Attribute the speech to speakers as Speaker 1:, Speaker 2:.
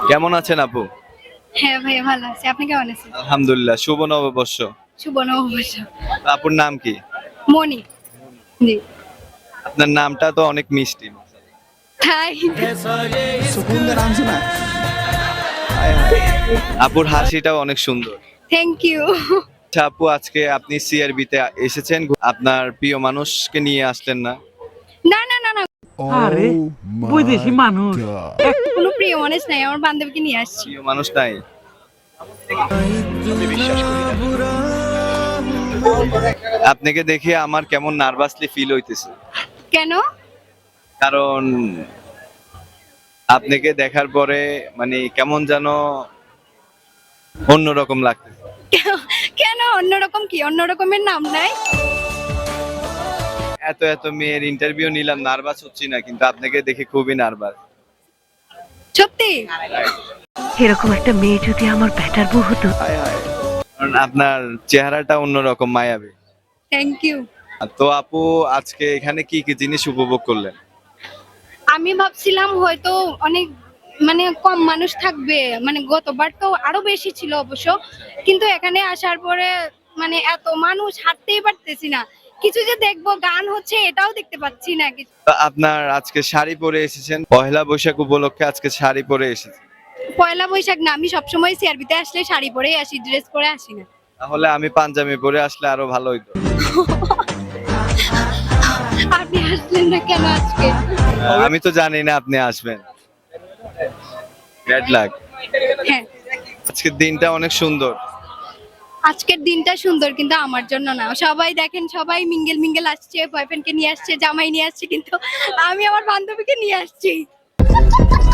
Speaker 1: কেমন আছেন আপু?
Speaker 2: হ্যাঁ ভাইয়া ভালো আছি। আপনি কেমন আছেন?
Speaker 1: আলহামদুলিল্লাহ, শুভ নববর্ষ।
Speaker 2: শুভ নববর্ষ।
Speaker 1: আপুর নাম কি?
Speaker 2: মনি। জি।
Speaker 1: আপনার নামটা তো অনেক মিষ্টি।
Speaker 2: হাই।
Speaker 3: सुकून का नाम सुना है हाय हाय
Speaker 1: আপুর হাসিটাও অনেক সুন্দর।
Speaker 2: Thank you.
Speaker 1: আচ্ছা আপু, আজকে আপনি সিআরবি তে এসেছেন, আপনার প্রিয় মানুষকে নিয়ে আসলেন না?
Speaker 2: না না না না,
Speaker 4: আরে বৈদেশি মানুষ
Speaker 2: কোনো প্রিয় মানুষ নাই, আমার বান্ধবীকে নিয়ে আসছি।
Speaker 1: প্রিয় মানুষ নাই? আপনাকে দেখে আমার কেমন নার্ভাসলি ফিল হইতেছে,
Speaker 2: কেন?
Speaker 1: কারণ আপনাকে দেখার পরে মানে কেমন যেন অন্যরকম লাগতেছে।
Speaker 2: কেন অন্যরকম? কি অন্যরকমের নাম নাই?
Speaker 1: এত এত মেয়ের ইন্টারভিউ নিলাম, নার্ভাস হচ্ছি না, কিন্তু আপনাকে দেখে খুবই নার্ভাস।
Speaker 2: সত্যি?
Speaker 5: এরকম একটা মেয়ে যদি আমার ব্যাটার বউ হতো।
Speaker 3: हाय हाय
Speaker 1: কারণ আপনার চেহারাটা অন্যরকম, মায়াবী।
Speaker 2: Thank you.
Speaker 1: তো আপু, আজকে এখানে কি কি জিনিস উপভোগ করলেন?
Speaker 2: আমি ভাবছিলাম হয়তো অনেক মানে কম মানুষ থাকবে, মানে গতবার তো আরো বেশি ছিল অবশ্য, কিন্তু এখানে আসার পরে মানে এত মানুষ, হাঁটতেই পারতেছি না। কিছু যে দেখবো, গান হচ্ছে এটাও দেখতে পাচ্ছি না কিছু।
Speaker 1: তো আপনার আজকে শাড়ি পরে এসেছেন, পহেলা বৈশাখ উপলক্ষে আজকে শাড়ি পরে এসেছেন।
Speaker 2: পয়লা বৈশাখ না, আমি সবসময় সিআরবিতে আসলে শাড়ি পরেই আসি, ড্রেস পরে আসি না।
Speaker 1: তাহলে আমি পাঞ্জাবি পরে আসলে আরো ভালো হইতো।
Speaker 2: আপনি আসলেন না কেন আজকে?
Speaker 1: আমি তো জানি না আপনি আসবেন। Bad luck.
Speaker 2: হ্যাঁ,
Speaker 1: আজকের দিনটা অনেক সুন্দর।
Speaker 2: আজকের দিনটা সুন্দর কিন্তু আমার জন্য না। সবাই দেখেন, সবাই মিঙ্গেল মিঙ্গেল আসছে, বয়ফ্রেন্ডকে নিয়ে আসছে, জামাই নিয়ে আসছে, কিন্তু আমি আমার বান্ধবীকে নিয়ে আসছি।